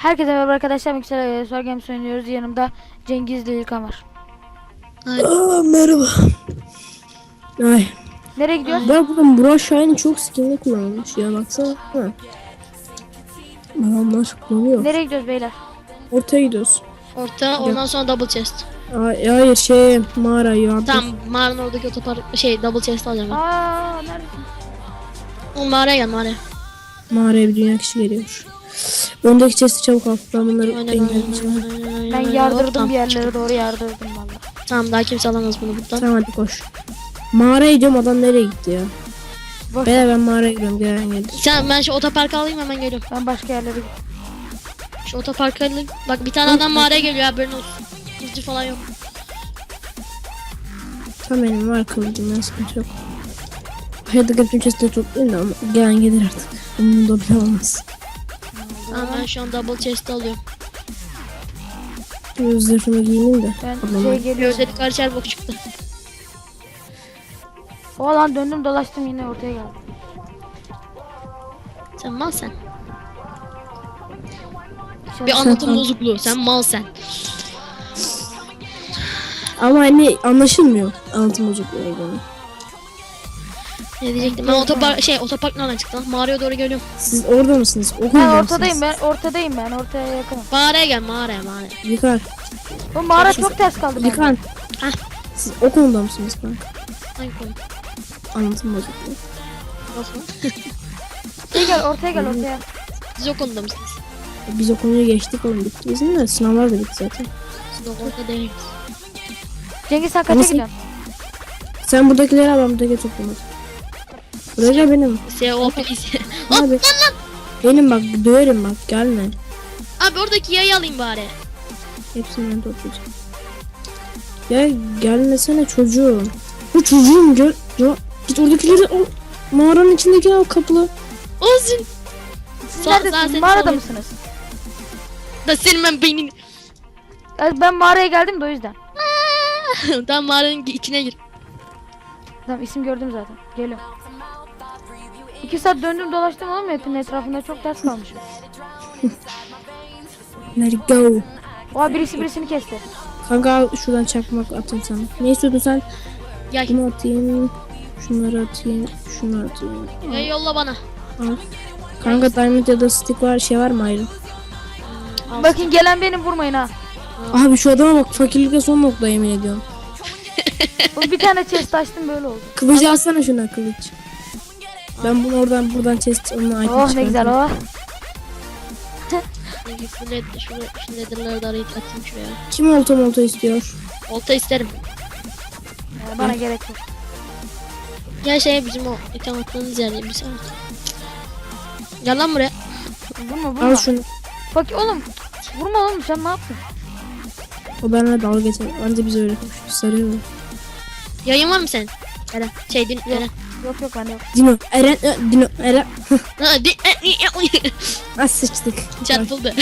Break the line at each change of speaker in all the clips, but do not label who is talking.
Herkese merhaba arkadaşlar. Mikser Soy Games oynuyoruz. Yanımda Cengiz ile İlkan var.
Merhaba. Ay.
Nereye gidiyoruz?
Bak bakın Burak Şahin çok skinli kullanılmış ya, baksana. Adamlar kullanıyor.
Nereye gidiyoruz beyler?
Ortaya gidiyoruz.
Orta, ondan sonra double chest.
Hayır mağara yardım.
Tamam, mağaranın oradaki otopark double chest alacağım ben.
Neredesin?
Oğlum mağaraya gel mağaraya.
Mağaraya bir dünya kişi geliyor. Öndeki chest'i çabuk al. Ben bunları
Aynen,
engellemişim.
Ben yardırdım
Tamam.
bir yerlere doğru yardırdım valla.
Tamam, daha kimse alamaz bunu buradan.
Tamam hadi koş. Mağaraya gidiyorum, adam nereye gitti ya?
Boş.
Ben mağaraya gidiyorum, gelen geldi.
Sen, ben şu otoparkı alayım, hemen geliyorum.
Ben başka yerlere gidiyorum.
Şu otoparkı alayım. Bak bir tane adam mağaraya geliyor, haberin olsun. Hızcı falan yok.
Tam benim var kılıcım, ben sıkıntı yok. Hayatı bütün chest'leri toplayayım da ama gelen gelir artık. Onun da bile olmaz.
Tamam, ben şu an double chest alıyorum.
Zırhımı giyineyim de.
Ben
Ablam
şey
var.
geliyorum.
Gözleri karışar bok çıktı.
O lan döndüm dolaştım yine ortaya geldim.
Sen mal sen.
Şöyle-
Bir anlatım
Tamam.
bozukluğu. Sen mal sen.
Ama hani anlaşılmıyor anlatım bozukluğu.
Ne diyecektim? Ben otopark nereden çıktı lan? Mağaraya doğru geliyorum.
Siz orada mısınız?
Ben
Okulda
ortadayım
mısınız?
ortadayım ben ortaya yakınım.
Mağaraya gel, mağaraya.
Yıkar.
Bu mağara çok ters kaldı bende.
Yıkar.
Hah.
Siz o konuda mısınız kanka?
Hangi konu?
Anlatım bozukluğu.
Nasıl?
Şey gel ortaya gel ortaya.
Siz o konuda mısınız?
Biz o konuyu geçtik, oğlum bitti bizim de, sınavlar da bitti zaten.
Siz o konuda değiliz.
Cengiz sen kaça
Nasıl?
gidiyorsun?
Sen buradakileri al, ben buradakileri toplamadım. Buraya benim.
O please.
Abi. Benim bak, döverim bak, gelme.
Abi oradaki yayı alayım bari.
Hepsini ben toplayacağım. Ya gelmesene çocuğum. Bu çocuğum gel. Ya git oradakileri al. Mağaranın içindeki al, kapılı.
Olsun.
Siz
Sağ
neredesiniz?
seni
Mağarada
salayım.
mısınız?
Da senin ben beynini.
Ben mağaraya geldim de o yüzden.
Tamam, mağaranın içine gir.
Tamam isim gördüm zaten. Geliyorum. 2 saat döndüm dolaştım oğlum hepinin etrafında çok ters kalmışım.
Let it go.
Oha birisi birisini kesti.
Kanka al, şuradan çakmak atayım sana. Ne istiyordun sen?
Gel.
Bunu atayım. Şunları atayım. Şunu atayım.
Yayı yolla bana.
Al. Kanka diamond ya da stick var, şey var mı ayrı?
Bakın gelen benim vurmayın ha.
Abi şu adama bak, fakirlikle son nokta, yemin ediyorum.
Oğlum bir tane chest açtım böyle oldu.
Kılıcı alsana, şuna kılıç. Ben bunu buradan chest onunla item
Oh ne güzel oh.
Şu nether'ları da arayıp atayım şuraya.
Kim olta istiyor?
Olta isterim.
Bana gerek yok.
Ya bizim o item attığımız yer bir saat. Gel lan buraya.
Vurma.
Al şunu.
Bak oğlum. Vurma oğlum sen ne yaptın?
O benimle dalga geçer. Anca bize öyle konuşuyor. Sarıyor mu?
Yayın var mı senin? Eren. Eren.
Yok bende yok.
Dino. Eren.
Ha,
Az sıçtık.
Çarpıldı.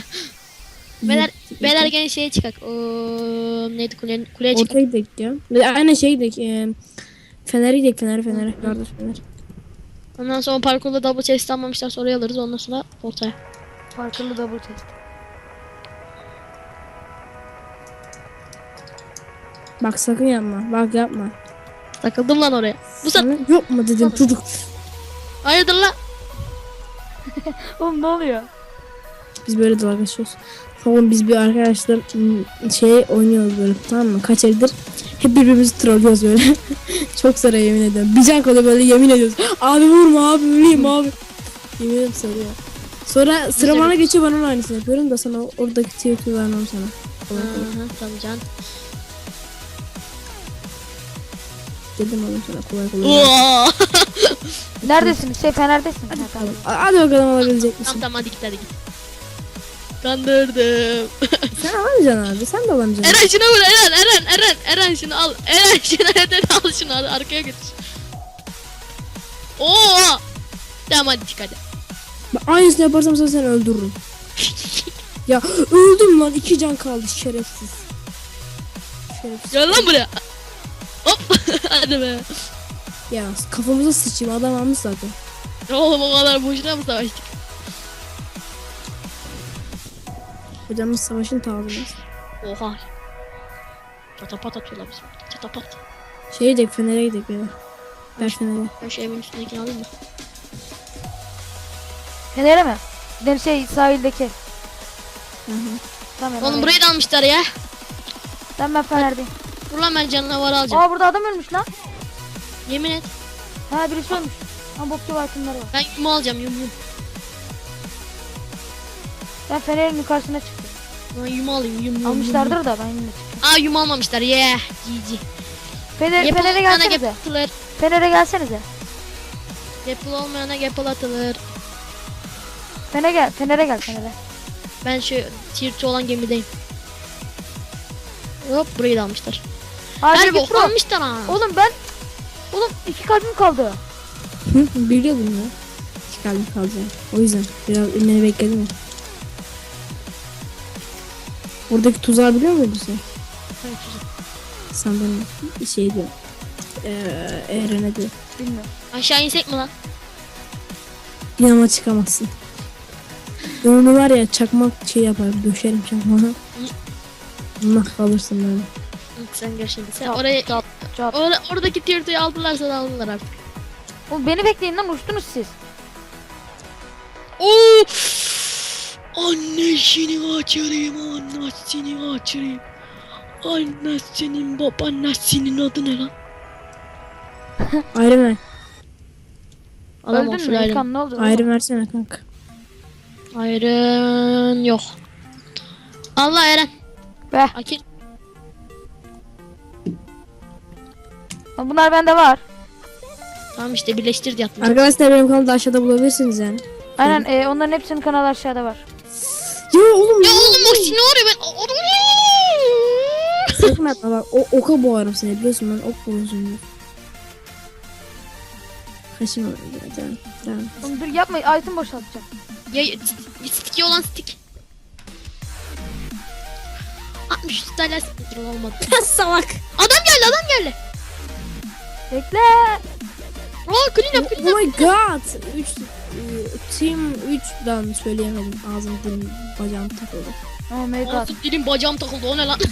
Beyler gene şeye çıkak. Neydi kuleye çıkak.
Ortaya gidelim ya. Aynen şey gidelim. Fener'e gidelim. Fener'e. Yardır Fener.
Ondan sonra parkurda double chest almamışlar, sonra alırız, ondan sonra ortaya.
Farklı double chest.
Bak sakın yapma. Bak yapma.
Takıldım lan oraya. Bu
Sana yok mu dedim çocuk.
hayırdır lan?
Oğlum ne oluyor?
Biz böyle dalga geçiyoruz. Oğlum biz bir arkadaşlar şey oynuyoruz böyle, tamam mı? Kaç evdir hep birbirimizi trollüyoruz böyle. Çok sarı, yemin ediyorum. Bir can kalıyor böyle, yemin ediyoruz. Abi vurma abi, öleyim abi. Yemin ediyorum sarıyor. Sonra sıra bana geçiyor, ben onun aynısını yapıyorum da sana oradaki tiyatro vermem sana.
Tamam can.
Dedim oğlum sana, kolay.
Neredesiniz? Fener'desin. Ha, tamam.
Hadi bakalım, alabilecek misin?
Tamam hadi git. Kandırdım.
Sen alamayacaksın abi, sen de alamayacaksın.
Eren şunu vur, Eren şunu al. Eren şunu al şunu al, arkaya götür. Oo! Tamam hadi çık hadi.
Ben aynısını yaparsam sana seni öldürürüm. Ya öldüm lan, 2 can kaldı, şerefsiz.
Gel lan buraya. Hop! Hadi be.
Ya kafamıza sıçayım, adam almış zaten.
Oğlum o kadar boşuna mı savaştık?
Hocam biz savaşın tavrıyız.
Oha. Çatapat atıyorlar bizim. Çatapat.
Şeye gidelim, Fener'e gidelim ya. Ver Fener'e.
Ben şu evin üstündekini alayım mı?
Fener'e mi? Gidelim sahildeki.
Hı hı.
Tamam.
Oğlum burayı da almışlar ya.
Ben Fener'deyim.
Dur lan ben canavarı alacağım.
Aa burada adam ölmüş lan.
Yemin et.
Ha birisi ölmüş. Ha bokçu altınları var.
Ben yumu alacağım yumu.
Ben Fener'in yukarısına çıktım.
Ben yumu alayım yumu.
Almışlardır da ben yine çıktım.
Aa yumu almamışlar. Yeah. GG.
Fener'e
Yapılı
gelsenize.
atılır.
Fener'e gelsenize.
Yapılı olmayana yapılı atılır.
Fener'e gel.
Ben şu tier 2 olan gemideyim. Hop burayı da almışlar.
Hadi
Her
git
bok
bro.
almışlar ha.
Oğlum 2 kalbim kaldı.
Hı, biliyordum ya. Çıkardım kalacağım. O yüzden biraz ünleri bekledim ya. Oradaki tuzağı biliyor muydun sen?
Evet, güzel.
Sanırım şey diyor. Eren'e diyor.
Bilmiyorum.
Aşağı insek mi lan?
Yanıma çıkamazsın. Ben onu var ya çakmak şey yaparım. Döşerim çakmağı. Allah kalırsın böyle.
Sen gör şimdi. Sen
Çat,
oraya
Çat.
oradaki tier 2'yi aldılarsa da aldılar artık.
Oğlum beni bekleyin lan uçtunuz siz.
Oo! Annesini açarım, annesini açarım. Annesinin babaannesinin adı ne lan?
Ayrı ver.
Adam
Öldün
olsun
mü
ayrı.
İlkan ne oldu?
Ayrı versene kanka.
Ayrın yok. Allah Eren.
Be.
Akil.
Bunlar bende var.
Tamam işte birleştir diye atmış.
Arkadaşlar benim kanalda aşağıda bulabilirsiniz yani.
Aynen onların hepsinin kanalı aşağıda var.
Ya oğlum
Ya oğlum o ne oluyor ben?
sakın atma bak. Oka boğarım seni biliyorsun ben ok boğuyorsun. Kaşım var. Tamam.
Oğlum dur yapma item boşaltacağım.
Ya sticky olan stick. 63 tane stick olmadı.
Salak.
Adam geldi.
Bekle.
Aa clean up clean
Oh
up.
my god. Team 3'dan söyleyemedim. Ağzım dilim bacağım takıldı.
Oh my god.
Ağzım dilim bacağım takıldı o ne lan?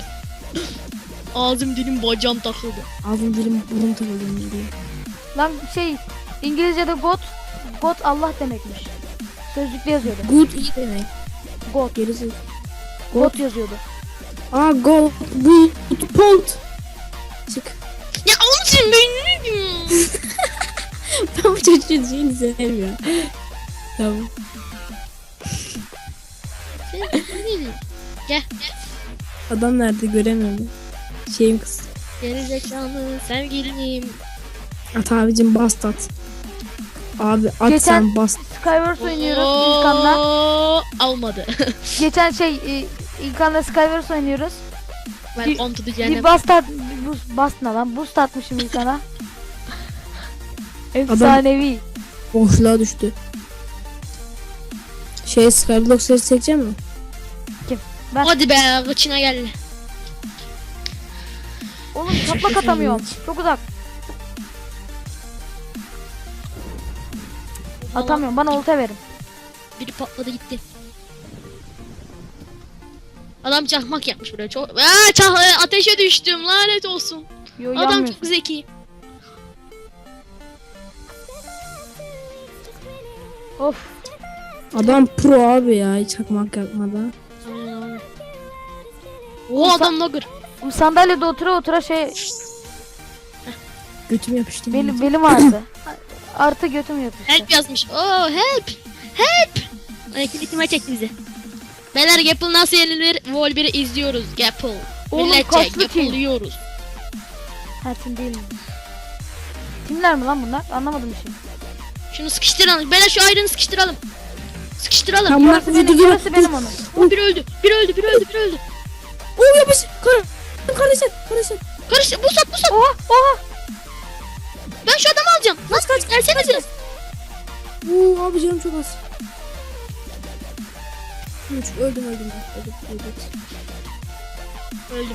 Ağzım dilim bacağım takıldı.
Ağzım dilim burnum takıldı diye.
Lan İngilizce'de God Allah demekmiş. Sözlükte yazıyordu.
Good iyi demek.
God.
Gerisi.
God yazıyordu.
Aa gold. Good. Polt. Çık.
Ya onun için beynini
Ben bu çocuğun şeyini sevmiyorum. Tamam.
Gel.
Adam nerede göremiyorum. Şeyim kız.
Gerizekalı sevgilim.
At abicim bast at. Abi at
Geçen-
sen bast.
Skywars oynuyoruz İlkan'la.
Almadı.
Geçen İlkan'la Skywars oynuyoruz.
Ben on to the
Bir
cehennem.
boost ne lan? Boost atmışım İlkan'a. Efsanevi.
Boşluğa düştü. Skyblock sesi çekecek mi?
Ben
Hadi be kıçına geldi.
oğlum çaplak atamıyorum. Çok uzak. Atamıyorum. Bana olta verin.
Biri patladı gitti. Adam çakmak yapmış buraya çok. Ateşe düştüm lanet olsun.
Yo
Adam
yanmıyor.
çok zeki.
Of.
Adam pro abi ya hiç çakmak yapmadan.
O adam nagır.
Bu sandalyede otura
Götüm yapıştı.
belim ağrıdı. Artı götüm yapıştı.
Help yazmış. Oh help. Help. Ekletime çekti bizi. Beyler Gapple nasıl yenilir? Vol 1'i izliyoruz. Gapple.
Oğlum,
Milletçe
kaçlı
Gapple
team?
yiyoruz.
Ha tim değil mi? Timler mi lan bunlar? Anlamadım şimdi.
Şunu sıkıştıralım. Beyler şu ayrını sıkıştıralım. Sıkıştıralım.
Tamam.
Yarısı benim, yarısı benim onun.
O biri öldü. Biri öldü.
Oo yapış. Kardeşim.
Karıştı. Bu sat.
Oha.
Ben şu adamı alacağım. Nasıl kaç? Gelsenize.
Oo abi canım çok az. Öldüm. Öldüm.
Öldüm.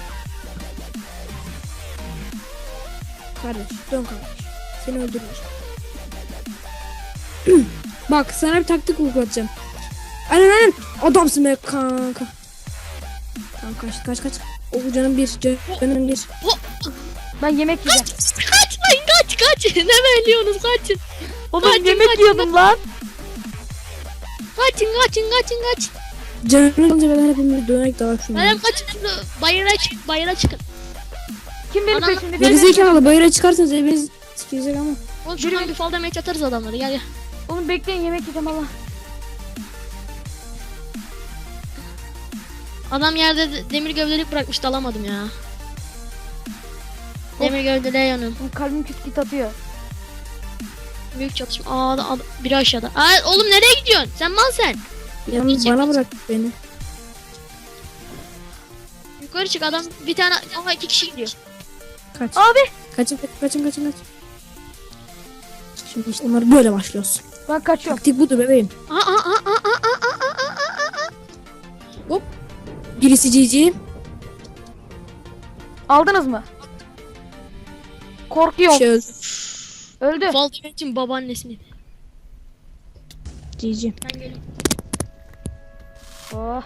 Kardeş dön kardeş. Seni öldürmüş. Bak sana bir taktik uygulatacağım. Aynen. Adamsın be kanka. Tamam kaç. O canım bir.
Ben yemek yiyeceğim.
Kaç lan kaç. Ne bekliyorsunuz kaçın.
Oğlum
Kaçın,
yemek
kaçın.
yiyordum lan.
Kaçın.
Canım önce ben hepimiz dönerek daha şunu.
Benim kaçın. Bayıra çıkın.
Kim benim
Anam-
peşimde?
Gerizekalı bayıra çıkarsanız eviniz sikecek ama.
Oğlum şuradan bir fall damage atarız adamları gel.
Oğlum bekleyin yemek yiyeceğim Allah.
Adam yerde demir gövdelik bırakmış dalamadım ya. Demir gövdeliğe yanıyorum.
Oğlum kalbim küt küt atıyor.
Büyük çatışma. Biri aşağıda. Oğlum nereye gidiyorsun? Sen mal sen.
Yalnız bana bırak beni.
Yukarı çık adam bir tane ama 2 kişi gidiyor.
Kaç.
Abi
Kaçın. Şimdi işte onları böyle başlıyoruz.
ben kaçıyorum.
Taktik budur bebeğim.
Aa.
Hop. Birisi GG.
Aldınız mı? Korkuyorum.
Şey öldü.
Öldü.
Fall damage'in babaannesini.
GG.
Ben geliyorum.
Oh,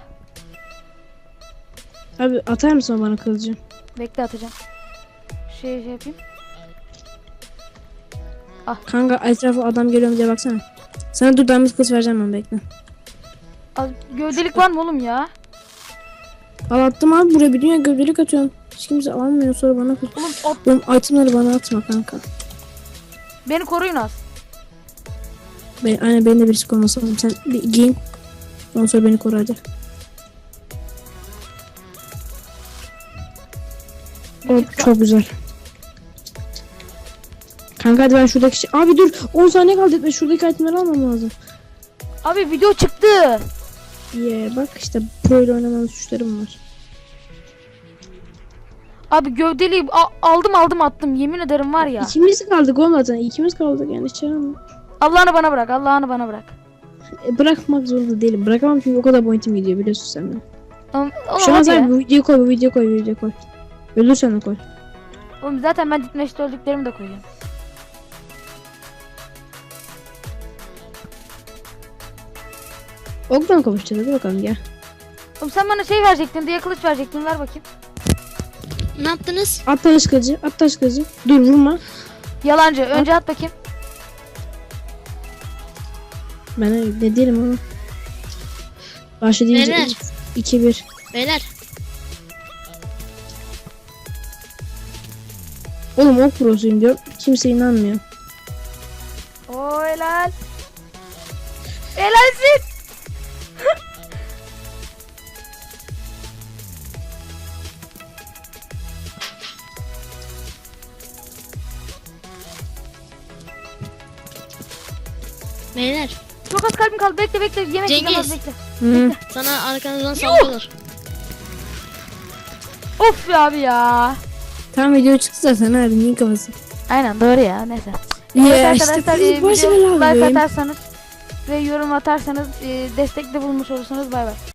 Abi atar mısın bana kılıcı?
bekle atacağım. Şey yapayım.
Kanka etrafa adam geliyor mu diye baksana. Sana dur damız kılıç vereceğim ben bekle.
Gövdelik var mı oğlum ya?
Al attım abi buraya bir dünya gövdelik atıyorum. Hiç kimse almıyor sonra bana kılıç. Oğlum itemleri bana atma kanka.
Beni koruyun az.
Aynen beni de birisi koruması lazım. Sen bir giyin. Ondan sonra beni koru hadi. Çok güzel. Kanka hadi ben şuradaki Abi dur 10 saniye kaldı etme şuradaki itemleri almam lazım.
Abi video çıktı.
Bak işte pro ile oynamamın suçlarım var.
Abi gövdeliği aldım attım. Yemin ederim var ya.
İkimiz kaldık olmadan. İkimiz kaldık yani çağırma.
Allah'ını bana bırak. Allah'ını bana bırak.
Bırakmak zorunda değilim. Bırakamam çünkü o kadar boyutum gidiyor biliyorsun sen de.
Oğlum
Şu an
hadi
sen
ya.
bu videoyu koy. Ölürsen de koy.
Oğlum zaten ben ditmeşte öldüklerimi de koyacağım.
Oktan kavuşacağız hadi bakalım gel.
Oğlum sen bana şey verecektin diye kılıç verecektin. Ver bakayım.
Ne yaptınız?
At taş kılıcı. Dur vurma.
Yalancı. Önce at bakayım.
Ben ne diyelim ama. Başla deyince
Neler?
2-1.
Beyler.
Oğlum ok prosuyum diyor. Kimse inanmıyor.
Oo helal. Helalsin.
Beyler.
Çok az kalbim kaldı. Bekle. Yemek yiyeceğim az
Cengiz.
bekle.
Hı.
Sana arkanızdan sallıyorlar.
Of ya abi ya.
Tam video çıktı zaten abi niye kafası.
Aynen doğru ya. Neyse.
Ya
Evet
işte
arkadaşlar
başı
video
bela
like
bebeğim.
atarsanız ve yorum atarsanız destekte bulmuş olursunuz. Bay bay.